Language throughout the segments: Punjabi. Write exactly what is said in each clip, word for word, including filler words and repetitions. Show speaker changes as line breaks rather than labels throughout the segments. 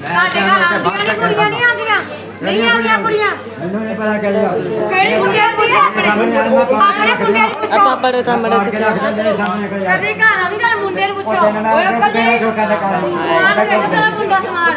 ਸਾਡੇ ਘਰ ਆਉਂਦੀਆਂ ਨੇ ਕੁੜੀਆਂ ਨਹੀਂ ਆਉਂਦੀਆਂ ਨਹੀਂ ਆਉਂਦੀਆਂ ਕੁੜੀਆਂ
ਮੈਨੂੰ ਨਹੀਂ ਪਤਾ ਕਿਹੜੀ ਆ
ਕਿਹੜੀ ਕੁੜੀਆਂ ਆਉਂਦੀ ਹੈ ਆਪਣੇ ਮੁੰਡੇ ਨੂੰ ਪੁੱਛੋ
ਆਪਾਂ ਬੜੇ ਸਾਹਮਣੇ ਕਿੱਥੇ
ਕਦੇ ਘਰ ਆਉਂਦੀ ਤਾਂ ਮੁੰਡੇ ਨੂੰ ਪੁੱਛੋ ਓਏ ਅੰਕਲ ਜੀ ਸਮਾਨ ਦੇ ਤੇਰਾ ਮੁੰਡਾ ਸਮਾਨ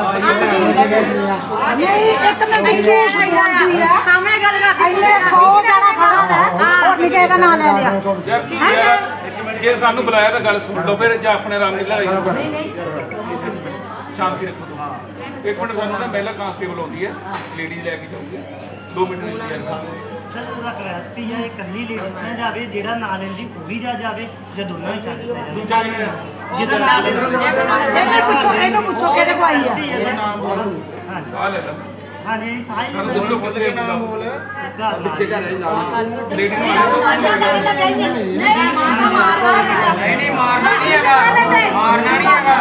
ਹਾਂਜੀ ਇੱਕ ਮਿੰਟ ਇੱਥੇ ਆਉਂਦੀ ਆ ਸਾਹਮਣੇ ਗੱਲ ਕਰ ਇੰਨੇ ਸੌ ਜਾਣਾ ਖੜਾ ਹੋਰ ਨਹੀਂ ਕਿਸੇ ਦਾ ਨਾਂ ਲੈ ਲਿਆ
ਜੇ ਸਾਨੂੰ ਬੁਲਾਇਆ ਤਾਂ ਗੱਲ ਸੁਣ ਲਓ ਫਿਰ ਜਾਂ ਆਪਣੇ ਆਰਾਮ ਨਾਲ ਲੜਾਈ ਨਹੀਂ ਨਹੀਂ ਸ਼ਾਂਤੀ ਰੱਖੋ ਇੱਕ ਮਿੰਟ ਸਾਨੂੰ ਨਾ ਪਹਿਲਾਂ ਕਾਂਸਟੇਬਲ ਆਉਂਦੀ ਹੈ ਲੇਡੀਜ਼ ਲੈ ਕੇ ਜਾਊਗੀ ਦੋ ਮਿੰਟ ਨਹੀਂ ਯਾਰ
ਸਰ ਉਹਦਾ ਕੈਸਟੀ ਹੈ ਇਕੱਲੀ ਲੇਡੀਜ਼ ਨਾ ਜਾਵੇ ਜਿਹੜਾ ਨਾਲ ਲੈਂਦੀ ਉਹ ਵੀ ਜਾ ਜਾਵੇ ਜਾਂ ਦੋਨੋਂ ਹੀ ਚੱਲ ਜਾਵੇ
ਦੂਜਾ ਵੀ
ਜਿਹਦਾ ਨਾਲ ਲੈਂਦਾ
ਇਹਨੂੰ ਪੁੱਛੋ ਇਹਨੂੰ ਪੁੱਛੋ ਕਿਹਦੇ ਕੋ ਆਈ ਆ
ਸਾਹ ਲੈ ਲਾ
ਹਾਂਜੀ ਸਾਈ
ਸਾਨੂੰ ਦੱਸੋ ਕਿੱਥੇ ਨਾਮ ਬੋਲ
ਪਿੱਛੇ
ਘਰ ਹੈ ਨਾਲ ਲੇਡੀਜ਼ ਨੂੰ
ਨਹੀਂ ਨਹੀਂ
ਮਾਰਨਾ ਨਹੀਂ ਹੈਗਾ ਮਾਰਨਾ ਨਹੀਂ ਹੈਗਾ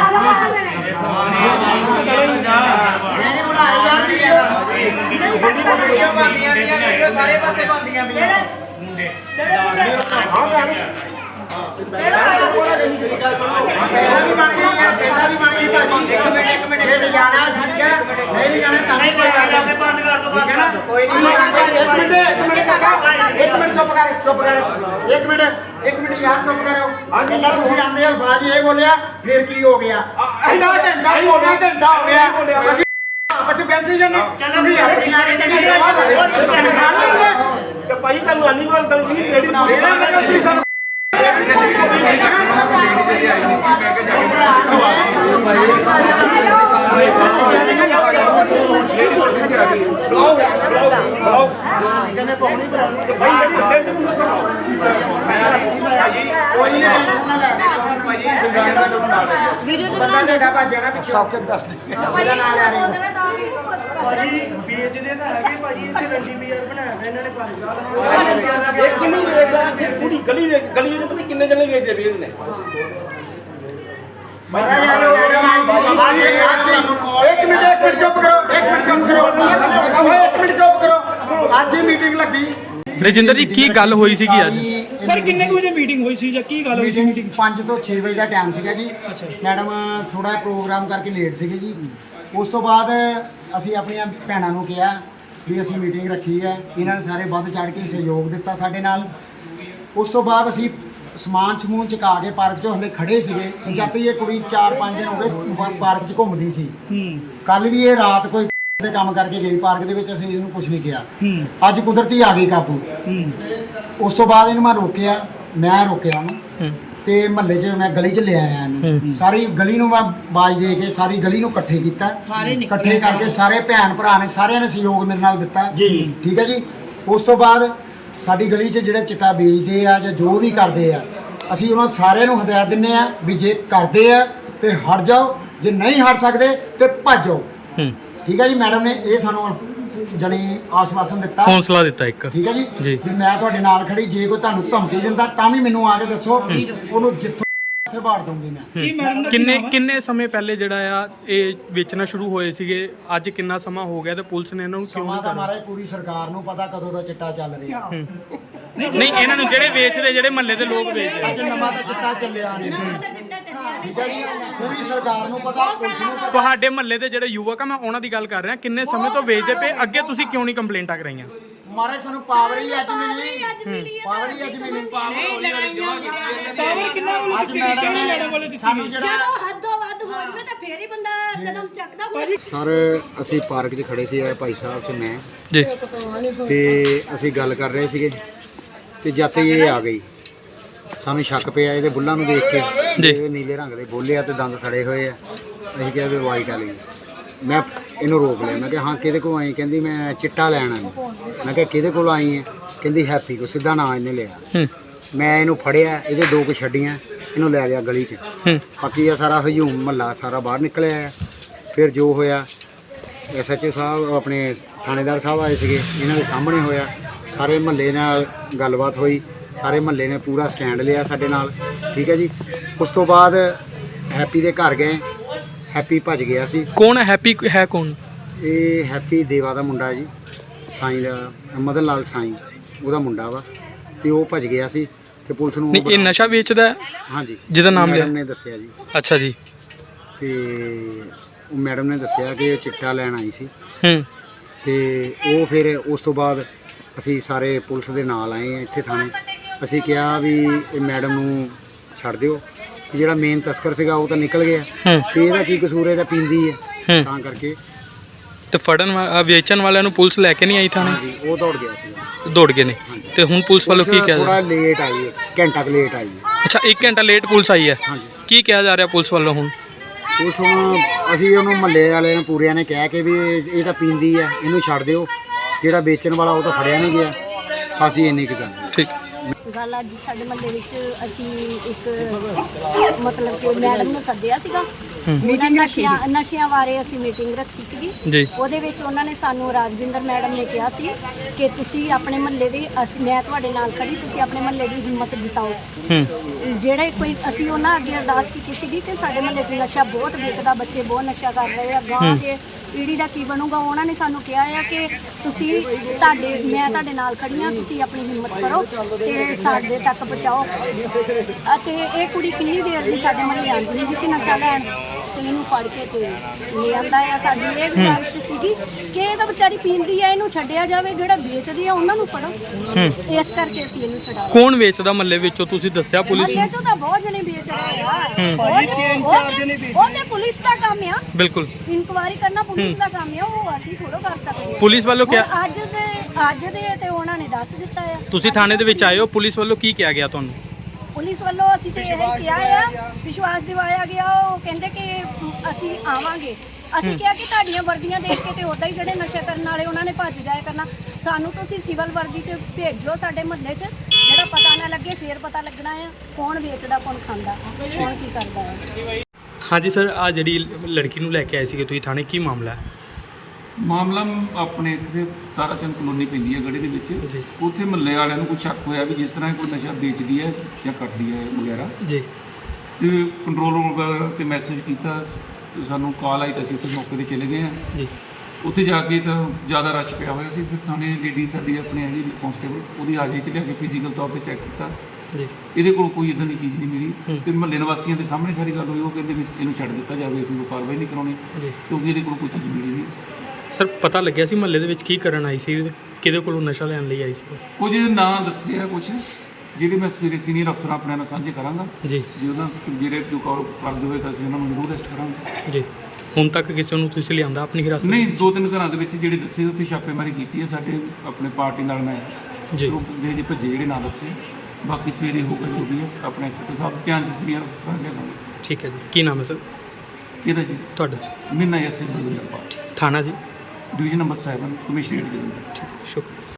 ਇਹਨੇ ਬੁਲਾਇਆ ਯਾਰ ਨਹੀਂ ਹੈਗਾ
ਵੀਡੀਓ ਬਣਦੀਆਂ ਪਈਆਂ ਵੀਡੀਓ ਸਾਰੇ ਪਾਸੇ ਬਣਦੀਆਂ ਪਈਆਂ ਹਾਂ ਭੈਣ ਪਹਿਲਾਂ ਵੀ ਬਣ ਗਈ ਹੈ ਪਹਿਲਾਂ ਵੀ ਬਣ ਗਈ ਭਾਜੀ ਇੱਕ ਮਿੰਟ ਇੱਕ ਮਿੰਟ ਜੇ ਜਾਣਾ ਠੀਕ ਹੈ ਨਹੀਂ ਜਾਣਾ ਤਾਂ
ਨਹੀਂ ਕੋਈ ਗੱਲ ਨਹੀਂ ਬੰਦ ਕਰ ਦੋ
ਠੀਕ ਹੈ ਨਾ ਕੋਈ ਨਹੀਂ ਇੱਕ ਮਿੰਟ ਇੱਕ ਮਿੰਟ ਕਾਕਾ ਇੱਕ ਮਿੰਟ ਚੁੱਪ ਕਰ ਚੁੱਪ ਕਰ ਇੱਕ ਮਿੰਟ ਇੱਕ ਮਿੰਟ ਯਾਰ ਚੁੱਪ ਕਰੋ ਆ ਜਿੰਨਾ ਤੁਸੀਂ ਆਂਦੇ ਅਲਫਾਜ਼ ਇਹ ਬੋਲਿਆ ਫਿਰ ਕੀ ਹੋ ਗਿਆ ਅੱਧਾ ਘੰਟਾ ਬੋਲਿਆ ਘੰਟਾ ਹੋ ਗਿਆ ਅਸੀਂ ਬੱਚੇ ਬੈਠੇ ਜਾਂਦੇ ਤੁਸੀਂ ਆਪਣੀਆਂ ਨੇ ਕਿਹੜੀ ਤੇ ਭਾਈ ਤੁਹਾਨੂੰ ਆਨੀ ਵਾਲ ਗੱਲ ਨਹੀਂ ਰੈਡੀ ਮੇਰਾ ਮੈਂ ਤੁਸੀਂ ਸਾਨੂੰ
ਵੀਡੀਓ ਤੇ ਬਣਾਉਂਦੇ
ਭਾਜੀ ਵੇਚਦੇ ਤਾਂ ਹੈਗੇ ਭਾਜੀ ਇੱਥੇ ਰੰਡੀ ਬਾਜ਼ਾਰ ਬਣਾਇਆ ਹੋਇਆ ਇਹਨਾਂ ਨੇ ਭਾਜੀ
ਇੱਕ ਕਿੰਨੀ ਵੇਚਦਾ ਪੂਰੀ ਗਲੀ ਵੇਚ ਗਲੀ ਵਿੱਚ ਪਤਾ ਕਿੰਨੇ ਜਣੇ ਵੇਚਦੇ ਵੇਚ ਨੇ ਮਾਰਾ ਯਾਰ ਇੱਕ ਮਿੰਟ ਇੱਕ ਮਿੰਟ ਚੁੱਪ ਕਰੋ ਇੱਕ ਮਿੰਟ ਚੁੱਪ ਕਰੋ ਇੱਕ ਮਿੰਟ ਚੁੱਪ ਕਰੋ ਅੱਜ ਹੀ ਮੀਟਿੰਗ ਲੱਗੀ
ਰਜਿੰਦਰ ਜੀ ਕੀ ਗੱਲ ਹੋਈ ਸੀਗੀ ਅੱਜ
ਸਰ ਕਿੰਨੇ ਕੁ ਵਜੇ ਮੀਟਿੰਗ ਹੋਈ ਸੀ ਜਾਂ ਕੀ ਗੱਲ ਹੋਈ ਸੀ
ਮੀਟਿੰਗ ਪੰਜ ਤੋਂ ਛੇ ਵਜੇ ਦਾ ਟਾਈਮ ਸੀਗਾ ਜੀ ਮੈਡਮ ਥੋੜਾ ਪ੍ਰੋਗਰਾਮ ਕਰਕੇ ਲੇਟ ਸੀਗੇ ਜੀ ਉਸ ਤੋਂ ਬਾਅਦ ਅਸੀਂ ਆਪਣੀਆਂ ਭੈਣਾਂ ਨੂੰ ਕਿਹਾ ਵੀ ਅਸੀਂ ਮੀਟਿੰਗ ਰੱਖੀ ਹੈ ਇਹਨਾਂ ਨੇ ਸਾਰੇ ਵੱਧ ਚੜ੍ਹ ਕੇ ਸਹਿਯੋਗ ਦਿੱਤਾ ਸਾਡੇ ਨਾਲ ਉਸ ਤੋਂ ਬਾਅਦ ਅਸੀਂ ਸਮਾਨ ਸਮੂਨ ਚੁਕਾ ਕੇ ਪਾਰਕ 'ਚ ਹਲੇ ਖੜੇ ਸੀਗੇ ਜਦ ਤੱਕ ਇਹ ਕੁੜੀ ਚਾਰ ਪੰਜ ਦਿਨ ਹੋ ਗਏ ਪਾਰਕ 'ਚ ਘੁੰਮਦੀ ਸੀ ਕੱਲ ਵੀ ਇਹ ਰਾਤ ਕੋਈ ਦੇ ਕੰਮ ਕਰਕੇ ਗਈ ਪਾਰਕ ਦੇ ਵਿੱਚ ਅਸੀਂ ਇਹਨੂੰ ਕੁਝ ਨਹੀਂ ਕਿਹਾ ਅੱਜ ਕੁਦਰਤੀ ਆ ਗਈ ਕਾਬੂ ਉਸ ਤੋਂ ਬਾਅਦ ਇਹਨੂੰ ਮੈਂ ਰੋਕਿਆ ਮੈਂ ਰੋਕਿਆ ਉਹਨੂੰ ਤੇ ਮਹੱਲੇ 'ਚ ਮੈਂ ਗਲੀ 'ਚ ਲੈ ਆਇਆ ਇਹਨੂੰ ਸਾਰੀ ਗਲੀ ਨੂੰ ਮੈਂ ਬਾਜ ਦੇ ਕੇ ਸਾਰੀ ਗਲੀ ਨੂੰ ਇਕੱਠੇ ਕੀਤਾ ਇਕੱਠੇ ਕਰਕੇ ਸਾਰੇ ਭੈਣ ਭਰਾ ਨੇ ਸਾਰਿਆਂ ਨੇ ਸਹਿਯੋਗ ਮੇਰੇ ਨਾਲ ਦਿੱਤਾ ਠੀਕ ਹੈ ਜੀ ਉਸ ਤੋਂ ਬਾਅਦ ਸਾਡੀ ਗਲੀ 'ਚ ਜਿਹੜੇ ਚਿੱਟਾ ਵੇਚਦੇ ਆ ਜਾਂ ਜੋ ਵੀ ਕਰਦੇ ਆ ਅਸੀਂ ਉਹਨਾਂ ਸਾਰਿਆਂ ਨੂੰ ਹਦਾਇਤ ਦਿੰਦੇ ਆ ਵੀ ਜੇ ਕਰਦੇ ਆ ਤੇ ਹਟ ਜਾਓ ਜੇ ਨਹੀਂ ਹਟ ਸਕਦੇ ਤੇ ਭੱਜ ਜਾਓ ਠੀਕ ਹੈ ਜੀ ਮੈਡਮ ਨੇ ਇਹ ਸਾਨੂੰ ਜਣੀ ਆਸ਼ਵਾਸਨ ਦਿੱਤਾ
ਹੌਸਲਾ ਦਿੱਤਾ ਇੱਕ
ਠੀਕ ਹੈ ਜੀ
ਜੀ
ਵੀ ਮੈਂ ਤੁਹਾਡੇ ਨਾਲ ਖੜੀ ਜੇ ਕੋਈ ਤੁਹਾਨੂੰ ਧਮਕੀ ਦਿੰਦਾ ਤਾਂ ਵੀ ਮੈਨੂੰ ਆ ਕੇ ਦੱਸੋ ਉਹਨੂੰ ਜਿੱਥੋਂ ਇੱਥੇ ਬਾੜ ਦੂੰਗੀ ਮੈਂ
ਕਿੰਨੇ ਕਿੰਨੇ ਸਮੇਂ ਪਹਿਲੇ ਜਿਹੜਾ ਆ ਇਹ ਵੇਚਣਾ ਸ਼ੁਰੂ ਹੋਏ ਸੀਗੇ ਅੱਜ ਕਿੰਨਾ ਸਮਾਂ ਹੋ ਗਿਆ ਤੇ ਪੁਲਿਸ ਨੇ ਇਹਨਾਂ ਨੂੰ ਕਿਉਂ
ਸਮਾਂ
ਨਹੀਂ
ਤਾਂ
ਕਰਨਾ
ਮਹਾਰਾਜ ਪੂਰੀ ਸਰਕਾਰ ਨੂੰ ਪਤਾ ਕਦੋਂ ਦਾ ਚਿੱਟਾ ਚੱਲ ਰਿਹਾ
ਨਹੀਂ ਇਹਨਾਂ ਨੂੰ ਜਿਹੜੇ ਵੇਚਦੇ ਜਿਹੜੇ ਮਹੱਲੇ ਦੇ ਲੋਕ ਵੇਚਦੇ
ਅੱਜ ਨਵਾਂ ਤਾਂ ਚਿੱਟਾ ਚੱਲਿਆ ਨਹੀਂ ਠੀਕ ਹੈ ਜੀ ਪੂਰੀ ਸਰਕਾਰ ਨੂੰ ਪਤਾ ਪੁਲਿਸ ਨੂੰ ਪਤਾ
ਤੁਹਾਡੇ ਮਹੱਲੇ ਦੇ ਜਿਹੜੇ ਯੁਵਕ ਆ ਮੈਂ ਉਹਨਾਂ ਦੀ ਗੱਲ ਕਰ ਰਿਹਾ ਕਿੰਨੇ ਸਮੇਂ ਤੋਂ ਵੇਚਦੇ ਪਏ ਅੱਗੇ ਤੁਸੀਂ ਕਿਉਂ ਨਹੀਂ ਕੰਪਲੇਂਟਾਂ ਕਰਾਈਆਂ
ਮਹਾਰਾਜ ਸਾਨੂੰ ਪਾਵਰ ਹੀ ਅੱਜ ਮਿਲੀ ਪਾਵਰ ਹੀ ਅੱਜ ਮਿਲੀ
ਪਾਵਰ ਕਿੰਨਾ
ਅੱਜ ਮੈਡਮ ਨੇ ਸਾਨੂੰ ਜਿਹੜਾ
ਜਦੋਂ ਹੱਦੋਂ ਵੱਧ ਹੋ ਜਵੇ ਤਾਂ ਫੇਰ ਹੀ ਬੰਦਾ ਕਦਮ ਚੱਕਦਾ
ਸਰ ਅਸੀਂ ਪਾਰਕ 'ਚ ਖੜੇ ਸੀ ਇਹ ਭਾਈ ਸਾਹਿਬ ਤੇ ਮੈਂ
ਜੀ
ਤੇ ਅਸੀਂ ਗੱਲ ਕਰ ਰਹੇ ਸੀਗੇ ਤੇ ਜਦ ਤੱਕ ਇਹ ਆ ਗਈ ਸਾਨੂੰ ਸ਼ੱਕ ਪਿਆ ਇਹਦੇ ਬੁੱਲਾਂ ਨੂੰ ਦੇਖ ਕੇ ਇਹ ਨੀਲੇ ਰੰਗ ਦੇ ਬੋਲੇ ਆ ਤੇ ਦੰਦ ਸੜੇ ਹੋਏ ਆ ਅਸੀਂ ਕਿਹਾ ਵੀ ਵਾਈਟ ਵਾਲੀ ਮੈਂ ਇਹਨੂੰ ਰੋਕ ਲਿਆ ਮੈਂ ਕਿਹਾ ਹਾਂ ਕਿਹਦੇ ਕੋਲ ਆਈ ਕਹਿੰਦੀ ਮੈਂ ਚਿੱਟਾ ਲੈਣ ਆਈ ਮੈਂ ਕਿਹਾ ਕਿਹਦੇ ਕੋਲ ਆਈ ਹੈ ਕਹਿੰਦੀ ਹੈਪੀ ਕੋ ਸਿੱਧਾ ਨਾਂ ਇਹਨੇ ਲਿਆ ਮੈਂ ਇਹਨੂੰ ਫੜਿਆ ਇਹਦੇ ਦੋ ਕੁ ਛੱਡੀਆਂ ਇਹਨੂੰ ਲੈ ਗਿਆ ਗਲੀ 'ਚ ਬਾਕੀ ਆ ਸਾਰਾ ਹਜੂਮ ਮਹੱਲਾ ਸਾਰਾ ਬਾਹਰ ਨਿਕਲਿਆ ਫਿਰ ਜੋ ਹੋਇਆ ਐਸ ਐਚ ਓ ਸਾਹਿਬ ਆਪਣੇ ਥਾਣੇਦਾਰ ਸਾਹਿਬ ਆਏ ਸੀਗੇ ਇਹਨਾਂ ਦੇ ਸਾਹਮਣੇ ਹੋਇਆ ਸਾਰੇ ਮਹੱਲੇ ਨਾਲ ਗੱਲਬਾਤ ਹੋਈ ਸਾਰੇ ਮਹੱਲੇ ਨੇ ਪੂਰਾ ਸਟੈਂਡ ਲਿਆ ਸਾਡੇ ਨਾਲ ਠੀਕ ਹੈ ਜੀ ਉਸ ਤੋਂ ਬਾਅਦ ਹੈਪੀ ਦੇ ਘਰ ਗਏ ਹੈਪੀ ਭੱਜ ਗਿਆ ਸੀ
ਕੌਣ ਹੈ ਹੈਪੀ ਹੈ ਕੌਣ
ਇਹ ਹੈਪੀ ਦੇਵਾ ਦਾ ਮੁੰਡਾ ਜੀ ਸਾਈਂ ਦਾ ਮਦਨ ਲਾਲ ਸਾਈਂ ਉਹਦਾ ਮੁੰਡਾ ਵਾ ਤੇ ਉਹ ਭੱਜ ਗਿਆ ਸੀ ਤੇ ਪੁਲਿਸ ਨੂੰ
ਨਹੀਂ ਇਹ ਨਸ਼ਾ ਵੇਚਦਾ
ਹਾਂਜੀ
ਜਿਹਦਾ ਨਾਮ ਲਿਆ
ਨੇ ਦੱਸਿਆ ਜੀ
ਅੱਛਾ ਜੀ
ਤੇ ਉਹ ਮੈਡਮ ਨੇ ਦੱਸਿਆ ਕਿ ਉਹ ਚਿੱਟਾ ਲੈਣ ਆਈ ਸੀ
ਹੂੰ
ਤੇ ਉਹ ਫਿਰ ਉਸ ਤੋਂ ਬਾਅਦ ਅਸੀਂ ਸਾਰੇ ਪੁਲਿਸ ਦੇ ਨਾਲ ਆਏ ਆ ਇੱਥੇ ਥਾਣੇ। ਅਸੀਂ ਕਿਹਾ ਵੀ ਇਹ ਮੈਡਮ ਨੂੰ ਛੱਡ ਦਿਓ, ਵੀ ਜਿਹੜਾ ਮੇਨ ਤਸਕਰ ਸੀਗਾ ਉਹ ਤਾਂ ਨਿਕਲ ਗਿਆ,
ਹੂੰ
ਵੀ ਇਹਦਾ ਕੀ ਕਸੂਰ ਹੈ, ਇਹ ਤਾਂ ਪੀਂਦੀ ਹੈ,
ਹੂੰ
ਤਾਂ ਕਰਕੇ
ਤੇ ਫੜਨ ਵਾ- ਵੇਚਣ ਵਾਲਿਆਂ ਨੂੰ ਪੁਲਿਸ ਲੈ ਕੇ ਨਹੀਂ ਆਈ ਥਾਣੇ?
ਹਾਂਜੀ ਉਹ ਦੌੜ ਗਿਆ ਸੀਗਾ।
ਦੌੜ ਗਏ ਨੇ। ਤੇ ਹੁਣ ਪੁਲਿਸ ਵੱਲੋਂ ਕੀ ਕਿਹਾ ਜਾ
ਥੋੜਾ
ਰਿਹਾ?
ਲੇਟ ਆਈ ਹੈ, ਘੰਟਾ ਕੁ ਲੇਟ ਆਈ ਹੈ।
ਅੱਛਾ ਇੱਕ ਘੰਟਾ ਲੇਟ ਪੁਲਿਸ ਆਈ ਹੈ।
ਹਾਂਜੀ
ਕੀ ਕਿਹਾ ਜਾ ਰਿਹਾ ਪੁਲਿਸ ਵੱਲੋਂ ਹੁਣ?
ਪੁਲਿਸ ਹੁਣ ਅਸੀਂ ਉਹਨੂੰ ਮਹੱਲੇ ਵਾਲੇ ਨੂੰ ਪੂਰਿਆਂ ਨੇ ਕਹਿ ਕੇ ਵੀ ਇਹ ਇਹ ਤਾਂ ਪੀਂਦੀ ਹੈ, ਇਹਨੂੰ ਛੱਡ ਦਿਓ, ਜਿਹੜਾ ਵੇਚਣ ਵਾਲਾ ਉਹ ਤਾਂ ਫੜਿਆ ਨਹੀਂ ਗਿਆ, ਅਸੀਂ ਇੰਨੀ ਕੁ ਗੱਲ।
ਠੀਕ।
ਗੱਲ ਅੱਜ ਸਾਡੇ ਮਹੱਲੇ ਵਿੱਚ ਅਸੀਂ ਇੱਕ ਮਤਲਬ ਕਿ ਮੈਡਮ ਨੂੰ ਸੱਦਿਆ ਸੀਗਾ, ਮੀਟਿੰਗ ਨਸ਼ਿਆਂ ਨਸ਼ਿਆਂ ਬਾਰੇ ਅਸੀਂ ਮੀਟਿੰਗ ਰੱਖੀ ਸੀਗੀ
ਜੀ।
ਉਹਦੇ ਵਿੱਚ ਉਹਨਾਂ ਨੇ ਸਾਨੂੰ ਰਾਜਵਿੰਦਰ ਮੈਡਮ ਨੇ ਕਿਹਾ ਸੀ ਕਿ ਤੁਸੀਂ ਆਪਣੇ ਮਹੱਲੇ ਦੀ ਅਸੀਂ ਮੈਂ ਤੁਹਾਡੇ ਨਾਲ ਖੜੀ, ਤੁਸੀਂ ਆਪਣੇ ਮਹੱਲੇ ਦੀ ਹਿੰਮਤ ਜਿਤਾਓ।
ਹੂੰ
ਜਿਹੜੇ ਕੋਈ ਅਸੀਂ ਉਹਨਾਂ ਅੱਗੇ ਅਰਦਾਸ ਕੀਤੀ ਸੀਗੀ ਕਿ ਸਾਡੇ ਮਹੱਲੇ 'ਚ ਨਸ਼ਾ ਬਹੁਤ ਵਿਕਦਾ, ਬੱਚੇ ਬਹੁਤ ਨਸ਼ਾ ਕਰ ਰਹੇ ਆ, ਗਾਂ ਦੇ ਪੀੜ੍ਹੀ ਦਾ ਕੀ ਬਣੂਗਾ। ਉਹਨਾਂ ਨੇ ਸਾਨੂੰ ਕਿਹਾ ਆ ਕਿ ਤੁਸੀਂ ਤੁਹਾਡੇ ਮੈਂ ਤੁਹਾਡੇ ਨਾਲ ਖੜੀ ਹਾਂ, ਤੁਸੀਂ ਆਪਣੀ ਹਿੰਮਤ ਕਰੋ ਤੇ ਸਾਡੇ ਤੱਕ ਪਹੁੰਚਾਓ। ਅਤੇ ਇਹ ਕੁੜੀ ਕਿੰਨੀ ਦੇਰ ਦੀ ਸਾਡੇ ਮਹੱਲੇ ਆਉਂਦੀ ਨਹੀਂ ਸੀ ਨਸ਼ਾ ਲੈਣ, ਤੇ ਇਹਨੂੰ ਫੜ ਕੇ ਤੇ ਲੈ ਆਂਦਾ ਆ। ਸਾਡੀ ਇਹ ਗੁਜ਼ਾਰਿਸ਼ ਸੀਗੀ ਕਿ ਇਹ ਤਾਂ ਵਿਚਾਰੀ ਪੀਂਦੀ ਆ, ਇਹਨੂੰ ਛੱਡਿਆ ਜਾਵੇ, ਜਿਹੜਾ ਵੇਚਦੀ ਆ ਉਹਨਾਂ ਨੂੰ ਫੜੋ। ਇਸ ਕਰਕੇ ਅਸੀਂ ਇਹਨੂੰ ਛਡਾ
ਕੌਣ ਵੇਚਦਾ ਮਹੱਲੇ ਵਿੱਚੋਂ ਤੁਸੀਂ ਦੱਸਿਆ ਪੁਲਿਸ ਨੂੰ?
ਮਹੱਲੇ 'ਚੋਂ ਤਾਂ ਬਹੁਤ ਜਣੇ ਵੇਚ ਰਹੇ ਆ। ਉਹ ਤੇ- ਉਹ ਤੇ ਪੁਲਿਸ ਦਾ ਕੰਮ ਆ,
ਬਿਲਕੁਲ
ਇਨਕੁਆਇਰੀ ਕਰਨਾ ਪੁਲਿਸ ਦਾ ਕੰਮ ਆ, ਉਹ ਅਸੀਂ ਥੋੜ੍ਹਾ ਕਰ ਸਕਦੇ ਹਾਂ।
ਪੁਲਿਸ ਵੱਲੋਂ ਕਿਹਾ?
ਹੁਣ ਅੱਜ ਦੇ ਅੱਜ ਦੇ ਤੇ ਉਹਨਾਂ ਨੇ ਦੱਸ ਦਿੱਤਾ ਆ।
ਤੁਸੀਂ ਥਾਣੇ ਦੇ ਵਿੱਚ ਆਏ ਹੋ, ਪੁਲਿਸ ਵੱਲੋਂ ਕੀ ਕਿਹਾ ਗਿਆ ਤੁਹਾਨੂੰ?
ਪੁਲਿਸ ਵੱਲੋਂ ਅਸੀਂ ਤੇ ਇਹ ਕਿਹਾ ਆ, ਵਿਸ਼ਵਾਸ ਦਿਵਾਇਆ ਗਿਆ। ਉਹ ਕਹਿੰਦੇ ਕਿ ਅਸੀਂ ਆਵਾਂਗੇ। ਅਸੀਂ ਕਿਹਾ ਕਿ ਤੁਹਾਡੀਆਂ ਵਰਦੀਆਂ ਦੇਖ ਕੇ ਤੇ ਉਦਾਂ ਹੀ ਜਿਹੜੇ ਨਸ਼ਾ ਕਰਨ ਵਾਲੇ ਉਹਨਾਂ ਨੇ ਭੱਜ ਜਾਇਆ ਕਰਨਾ, ਸਾਨੂੰ ਤੁਸੀਂ ਸਿਵਲ ਵਰਦੀ 'ਚ ਭੇਜੋ ਸਾਡੇ ਮੁਹੱਲੇ 'ਚ, ਜਿਹੜਾ ਪਤਾ ਨਾ ਲੱਗੇ ਫੇਰ ਪਤਾ ਲੱਗਣਾ ਆ ਕੌਣ ਵੇਚਦਾ ਕੌਣ ਖਾਂਦਾ ਕੌਣ ਕੀ ਕਰਦਾ ਹੈ।
ਹਾਂਜੀ ਸਰ, ਆ ਜਿਹੜੀ ਲੜਕੀ ਨੂੰ ਲੈ ਕੇ ਆਏ ਸੀਗੇ ਤੁਸੀਂ ਥਾਣੇ, ਕੀ ਮਾਮਲਾ ਹੈ?
ਮਾਮਲਾ ਆਪਣੇ ਕਿਸੇ ਤਾਰਾਚੰਦ ਕਲੋਨੀ ਪੈਂਦੀ ਹੈ ਗੜੀ ਦੇ ਵਿੱਚ,
ਜੀ।
ਉੱਥੇ ਮਹੱਲੇ ਵਾਲਿਆਂ ਨੂੰ ਕੋਈ ਸ਼ੱਕ ਹੋਇਆ ਵੀ ਜਿਸ ਤਰ੍ਹਾਂ ਇਹ ਕੋਈ ਨਸ਼ਾ ਵੇਚਦੀ ਹੈ ਜਾਂ ਕਰਦੀ ਹੈ ਵਗੈਰਾ,
ਜੀ
ਤੇ ਕੰਟਰੋਲ ਰੂਮ ਤੇ ਮੈਸੇਜ ਕੀਤਾ, ਤੇ ਸਾਨੂੰ ਕਾਲ ਆਈ ਤਾਂ ਅਸੀਂ ਉੱਥੇ ਮੌਕੇ 'ਤੇ ਚਲੇ ਗਏ ਹਾਂ।
ਜੀ
ਉੱਥੇ ਜਾ ਕੇ ਤਾਂ ਜ਼ਿਆਦਾ ਰਸ਼ ਪਿਆ ਹੋਇਆ ਸੀ, ਫਿਰ ਥਾਣੇ ਲੇਡੀ ਸਾਡੀ ਆਪਣੇ ਹੈਗੀ ਕਾਂਸਟੇਬਲ, ਉਹਦੀ ਹਾਜ਼ਰੀ 'ਚ ਲਿਆ ਕੇ ਫਿਜ਼ੀਕਲ ਤੌਰ 'ਤੇ ਚੈੱਕ ਕੀਤਾ,
ਜੀ
ਇਹਦੇ ਕੋਲ ਕੋਈ ਇਦਾਂ ਦੀ ਚੀਜ਼ ਨਹੀਂ ਮਿਲੀ। ਤੇ ਮਹੱਲੇ ਨਿਵਾਸੀਆਂ ਦੇ ਸਾਹਮਣੇ ਸਾਰੀ ਗੱਲ ਹੋਈ, ਉਹ ਕਹਿੰਦੇ ਵੀ ਇਹਨੂੰ ਛੱਡ ਦਿੱਤਾ ਜਾਵੇ, ਅਸੀਂ ਕੋਈ ਕਾਰਵਾਈ ਨਹੀਂ ਕਰਾਉਣੀ
ਜੀ।
ਕਿਉਂਕਿ ਇਹਦੇ ਕੋਲ ਕੋਈ ਚੀਜ਼ ਮਿਲੀ ਨਹੀਂ।
ਸਰ ਪਤਾ ਲੱਗਿਆ ਸੀ ਮਹੱਲੇ ਦੇ ਵਿੱਚ ਕੀ ਕਰਨ ਆਈ ਸੀ, ਕਿਹਦੇ ਕੋਲੋਂ ਨਸ਼ਾ ਲੈਣ ਲਈ ਆਈ ਸੀ?
ਕੁਝ ਨਾਂ ਦੱਸਿਆ, ਕੁਝ ਜਿਹੜੇ ਮੈਂ ਸਵੇਰੇ ਸੀਨੀਅਰ ਅਫਸਰ ਆਪਣੇ ਨਾਲ ਸਾਂਝੇ ਕਰਾਂਗਾ।
ਜੀ
ਜੇ ਉਹਨਾਂ ਜਿਹੜੇ ਜੋ ਕਾਲ ਕਰਦੇ ਹੋਏ ਤਾਂ ਅਸੀਂ ਉਹਨਾਂ ਨੂੰ ਜ਼ਰੂਰ ਅਰੈਸਟ ਕਰਾਂਗੇ।
ਜੀ। ਹੁਣ ਤੱਕ ਕਿਸੇ ਨੂੰ ਤੁਸੀਂ ਲਿਆਂਦਾ ਆਪਣੀ ਹਿਰਾਸਤ
ਨਹੀਂ, ਦੋ ਤਿੰਨ ਘਰਾਂ ਦੇ ਵਿੱਚ ਜਿਹੜੇ ਦੱਸੇ ਉੱਥੇ ਛਾਪੇਮਾਰੀ ਕੀਤੀ ਹੈ ਸਾਡੇ ਆਪਣੇ ਪਾਰਟੀ ਨਾਲ ਮੈਂ
ਜੀ।
ਗਰੁੱਪ ਦੇ ਜਿਹੜੇ ਭੱਜੇ ਜਿਹੜੇ ਨਾਂ ਦੱਸੇ, ਬਾਕੀ ਸਵੇਰੇ ਹੋਊਗਾ ਜੋ ਵੀ ਹੈ ਆਪਣੇ ਐਸਐਚਓ ਸਾਹਿਬ ਧਿਆਨ ਚ ਸੀਨੀਅਰ ਅਫਸਰਾਂ ਲਿਆਵਾਂਗੇ।
ਠੀਕ ਹੈ ਜੀ। ਕੀ ਨਾਮ ਹੈ ਸਰ
ਕਿਹਦਾ ਜੀ?
ਤੁਹਾਡਾ?
ਮੀਨਾ ਯਾਸਿਨ ਬਲਵਿੰਦਰ ਪਾਲ,
ਥਾਣਾ ਜੀ?
Division number seven, commissionerate Jalandhar.
ਠੀਕ ਹੈ, ਸ਼ੁਕਰੀਆ।